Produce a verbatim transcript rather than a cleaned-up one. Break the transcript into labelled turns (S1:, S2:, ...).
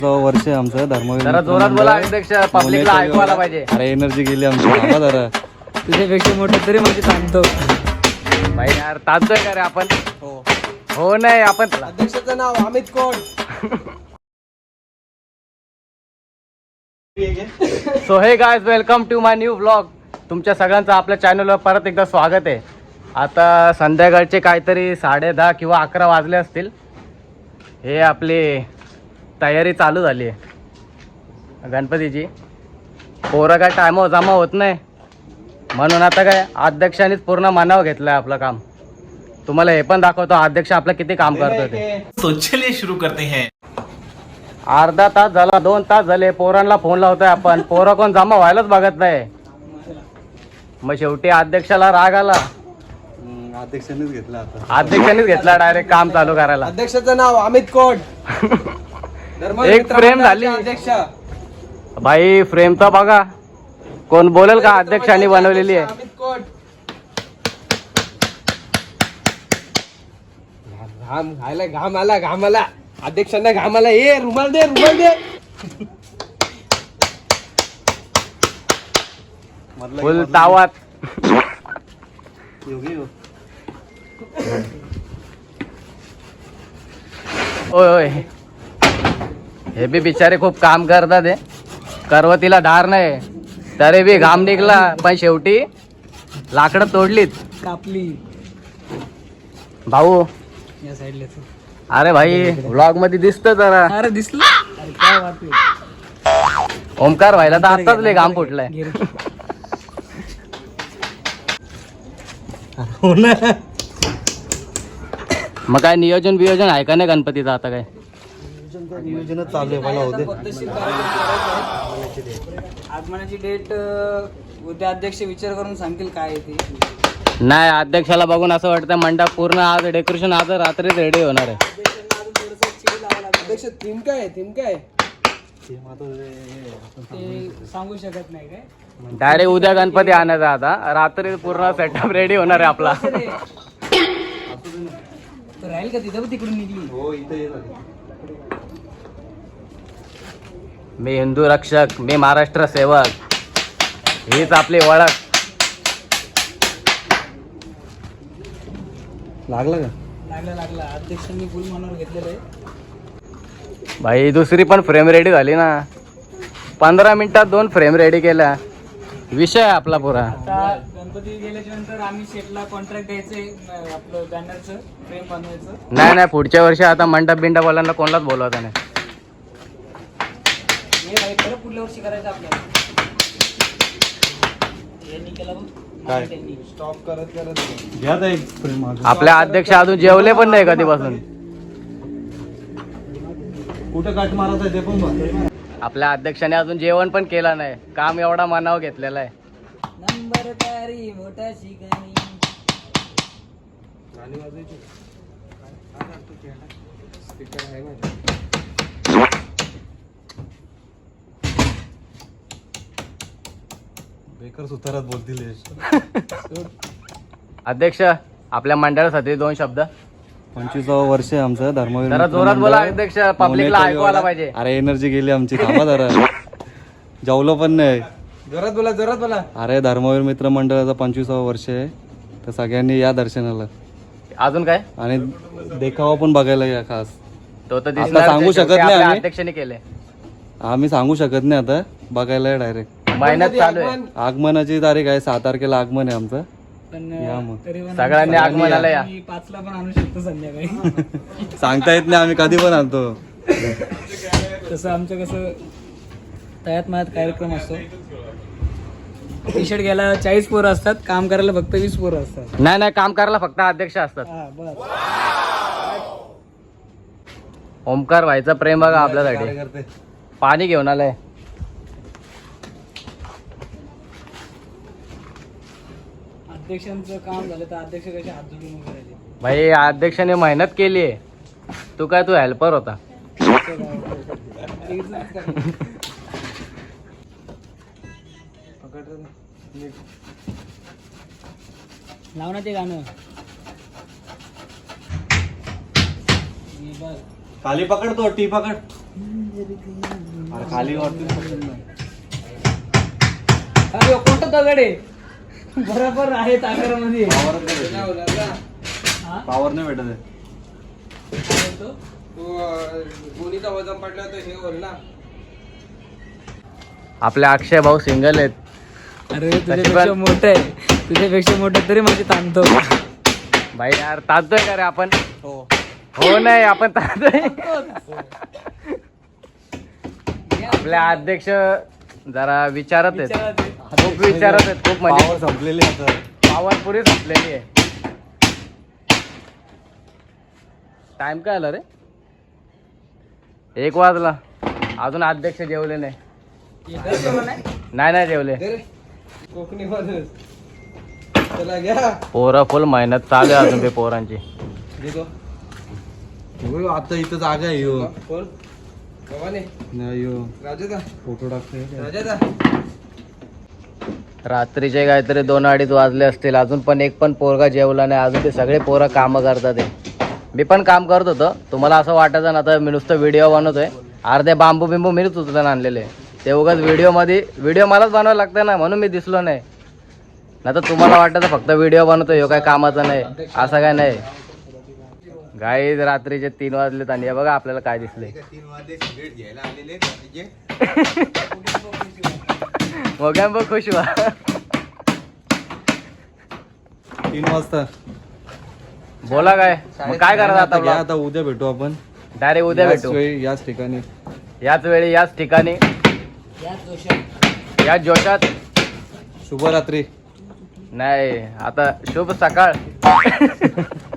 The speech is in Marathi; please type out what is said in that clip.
S1: वर्ष आहे आमचं धर्मवीर.
S2: जरा जोरात बोला अध्यक्ष, पब्लिकला ऐकवायला पाहिजे.
S1: अरे एनर्जी गेली आमची. थांबा जरा.
S3: तुझ्यापेक्षा मोठं तरी म्हणजे सांगतो
S2: भाई यार ताजतोय का रे आपण?
S1: हो
S2: हो नाही आपण
S1: अध्यक्षाचं नाव अमित कोण.
S2: So hey guys, welcome to my new vlog. तुमच्या सगळ्यांचं आपल्या चॅनलवर परत एकदा स्वागत आहे. आता संध्याकाळचे काहीतरी साडे दहा किंवा अकरा वाजले असतील. हे आपली तयारी चालू झाली आहे गणपतीची. पोरं काय टायमावर जमा होत नाही, म्हणून आता काय अध्यक्षानेच पूर्ण मनावर घेतलंय आपलं काम. तुम्हाला हे पण दाखवतो अध्यक्ष आपलं किती काम करतो ते.
S4: तो चलिए शुरू करते हैं.
S2: अर्धा तास झाला, दोन तास झाले, पोरांना फोन लावतोय आपण, पोरं कोण जमा व्हायलाच बघत नाही. मग शेवटी अध्यक्षाला राग आला.
S1: अध्यक्षानेच घेतला आता.
S2: अध्यक्षानेच घेतला डायरेक्ट काम चालू करायला.
S1: अध्यक्षाचं नाव अमित कोण.
S2: एक फ्रेम झाली
S1: अध्यक्ष.
S2: भाई. फ्रेम तर बघा कोण बोलेल का अध्यक्षांनी बनवलेली आहे.
S1: अमित कोण. घाम घायला घाम आला घाम आला अध्यक्षांना घाम आला. ए रुमाल दे रुमाल दे.
S2: फुल तावात. ओय ओय, हे बी बिचारे खूप काम करतात. हे करवतीला धार नाही तरी बी घाम निघला, पण शेवटी लाकडं तोडलीत.
S3: कापली
S2: भाऊ.
S3: या साईडला.
S2: अरे भाई व्लॉग मध्ये दिसत जरा.
S3: अरे दिसलं. अरे काय वाटत
S2: ओमकार व्हायला तर आताच लय घाम फुटलाय. मग काय नियोजन बियोजन आहे का नाही गणपतीचं आता? काय
S1: नियोजनच चालू आहे. मला होते
S3: आगमनाची डेट उद्या अध्यक्ष विचार करून सांगतील काय आहे ती.
S2: नाही, अध्यक्षाला बघून असं वाटतं मंडप पूर्ण आज डेकोरेशन आज रात्रीच रेडी होणार आहे.
S1: अध्यक्ष थीम काय आहे थीम काय
S3: ते सांगू शकत नाही काय.
S2: डायरेक्ट उद्या गणपती आणायचा, आता रात्री पूर्ण सेटअप रेडी होणार आहे आपला.
S3: तर राहील का तिथं तिकडून निघली.
S1: हो इथे.
S2: मी हिंदू रक्षक, मी महाराष्ट्र सेवक, हीच आपली ओळख.
S1: लागला का.
S3: लागला लागला अध्यक्षांनी फुल मनावर घेतलेलं आहे.
S2: भाई दुसरी पण फ्रेम रेडी झाली ना. पंधरा मिनिटात दोन फ्रेम रेडी केल्या. विषय आहे आपला पुरा.
S3: आता गणपती गेल्याच्या नंतर आम्ही शेटला कॉन्ट्रॅक्ट द्यायचंय आपलं बॅनरचं फ्रेम बनवायचं.
S2: नाही नाही, पुढच्या वर्षी आता मंडप बिंडपवाल्यांना कोणालाच बोलवता नाही.
S3: हे खरं पुढल्या वर्षी करायचं आपल्याला. यांनी केलं बघ.
S1: काय?
S3: त्यांनी.
S1: स्टॉप करत करत घ्या एक फ्रेम.
S2: आपल्या अध्यक्ष अजून जेवले पण नाही कधीपासून.
S1: कुठं काट मारत आहे ते पण बघ.
S2: आपल्या अध्यक्षाने अजून जेवण पण केलं नाही. काम एवढा मनावर घेतलेला आहे.
S3: नंबर तारी मोठा शिकाणी.
S1: गाणी वाजवायची. स्पीकर आहे माझ्या. बेकर सुतारात बोलतील.
S2: अध्यक्ष आपल्या मंडळासाठी दोन शब्द.
S1: पंचवीसावं वर्ष आहे आमचं धर्मवीर.
S2: जरा जोरात बोला अध्यक्ष, पब्लिकला ऐकवायला पाहिजे.
S1: अरे एनर्जी गेली आमची. थांबा जरा. जेवलो पण नाही. जोरात बोला जोरात बोला. अरे धर्मवीर मित्र मंडळाचं पंचवीसावं वर्ष आहे, तर सगळ्यांनी या दर्शनाला.
S2: अजून काय?
S1: आणि देखावा पण बघायला या खास.
S2: तो तर
S1: आता
S2: दिसणार.
S1: सांगू शकत नाही आम्ही.
S2: अध्यक्षाने केले.
S1: आम्ही सांगू शकत नाही आता. बघायला डायरेक्ट.
S2: मेहनत चालू आहे.
S1: आगमनाची तारीख आहे सहा तारखेला आगमन आहे आमचं.
S3: पण
S1: या मग.
S3: तरी पण
S2: सगळ्यांनी आगमनाला या.
S3: आम्ही पाचला पण आणू शकतो संध्याकाळी.
S1: सांगता येत नाही, आम्ही कधी पण आणतो.
S3: तसं आमचं कसं तयात मयात कार्यक्रम असतो. टी शर्ट घ्यायला चाळीस पोरं असतात, काम करायला फक्त वीस पोरं असतात.
S2: नाही नाही, काम करायला फक्त अध्यक्ष असतात.
S3: हा बस.
S2: ओमकार व्हायचं प्रेम बघा आपल्यासाठी. पाणी घेऊन आलंय.
S3: अध्यक्षांचं काम झालं तर अध्यक्ष कसे हात जोडून उभे राहिले.
S2: भाई अध्यक्षाने मेहनत केली आहे. तू काय तू हेल्पर होता.
S3: लाव ना ते गाणं.
S1: खाली पकड तो टी पकड. अरे खाली वाटतो
S3: अरे कोणतं दगड आहे बरोबर आहे आकारामध्ये. हा?
S1: पावर नाही भेटत आहे.
S5: गोणीचा वजन पडला तर हे होईल ना.
S2: आपले अक्षय भाऊ सिंगल आहेत.
S3: अरे तुझ्यापेक्षा मोठं आहे, तुझ्यापेक्षा मोठं तरी माझे ताणतो.
S2: भाई यार ताणतोय का रे आपण? हो नाही आपण ताणतोय. आपले अध्यक्ष जरा विचारत आहेत, खूप विचारत आहेत, खूप म्हणजे
S1: पावर संपलेली आता.
S2: पावर पुरी संपलेली आहे. टाइम काय आला रे? एक वाजला, अजून अध्यक्ष जेवले नाही. नाही नाही जेवले.
S5: कोकणी माणूस चला घ्या.
S2: पोरं फुल मेहनत चालू आहे अजून ते पोरांची.
S1: हो, आता इथं जागा आहे यो.
S5: कोण गव्हाणे
S1: नाही यो
S5: राजाचा
S1: फोटो टाकतोय.
S5: राजाचा
S2: रात्रीचे काहीतरी दोन अडीच वाजले असतील, अजून पण एक पण पोरगा जेवला नाही. अजून ते सगळे पोरं कामं करतात आहे. मी पण काम करत होतो. तुम्हाला असं वाटायचं ना आता मी नुसतं व्हिडिओ बनवतोय, अर्धे बांबू बिंबू मीच उचलून आणलेले. ते उगाच व्हिडिओमध्ये व्हिडिओ मलाच बनवायला लागतं ना, म्हणून मी दिसलो नाही. नाही तर तुम्हाला वाटतं फक्त व्हिडिओ बनवतोय, ह्यो काय कामाचा नाही, असं काय नाही. गाईज रात्रीचे तीन वाजलेत आणि हे बघा आपल्याला काय दिसले. मोग्यां बघ खुश व्हा.
S1: तीन वाजता
S2: बोला काय मग काय करायचं
S1: आता घ्या,
S2: आता?
S1: आता उद्या भेटू आपण.
S2: डायरेक्ट उद्या
S1: याच
S2: भेटू,
S1: वेळी, याच ठिकाणी.
S2: याच वेळी याच ठिकाणी याच जोशात.
S1: शुभरात्री.
S2: नाही आता शुभ सकाळ.